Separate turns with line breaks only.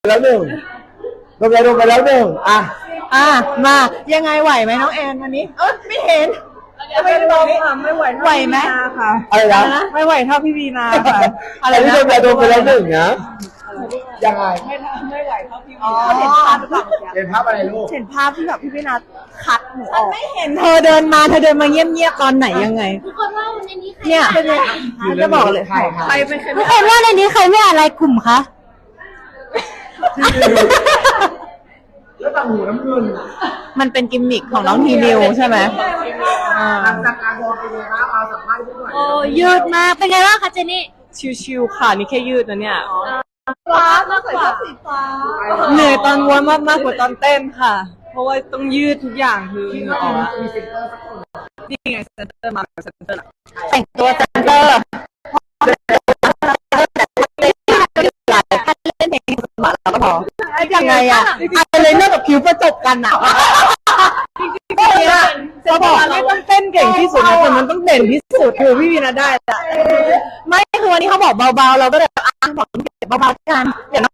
แล้วหนึ่งโดนไปแล้วหนึ่ง
มายังไงไหวไหมน้องแอนวันนี้ไม่เห็น
ไม่ลงค่ะไม่ไหว
ไหวไหม
ค่ะ
อะไรนะ
ไม่ไหวเท่าพี่วีนาค่ะ
อะไรที่โดนไปแล้วหนึ่งนะยังไง
ไม่ไหวเท่าพี่วี
นาเห็นภาพหรือเปล่า
เห็นภาพอะไรลูก
เห็นภาพที่แบบพี่วีนาคัดหนูออก
ไม่เห็นเธอเดินมาเงียบๆตอนไหนยังไง
ทุกคนว่าในนี้ใคร
เนี่ย
จะบอกเลย
ใคร
เป็นใคร
ทุกคนว่าในนี้ใครไม่อะไรกลุ่มคะ
แล้วต่างหูน้ำเงิน
มันเป็นกิมมิคของน้องทีนิวใช่ไหม
หลังจากการโดนไปเลยนะเอาสัมภาษณ์ด้วย
โอ้ยืดมากเป็นไงบ้างคะเจนี่
ชิวๆค่ะนี่แค่ยืดนะเนี่ย
ฟ้ามากกว่าสีฟ้า
เหนื่อยตอนม้วนมากกว่าตอนเต้นค่ะ เพราะว่าต้องยืดทุกอย่างคือเหงื่อออกนี่ไงเซนเตอร์มาเซนเตอร์
แต่งตัวเซนเตอร์เล่นเพลงสมัครแล้วก็พอยังไงอะไรเรื่องกับคิวประจบกัน
จะบอกไม่ต้องเต้นเก่งที่สุดนะแต่มันต้องเด่นที่สุดคือพี่วีนาได้ละ
ไม่คือวันนี้เขาบอกเบาๆเราก็เลยบอกเบาๆกันอย่าง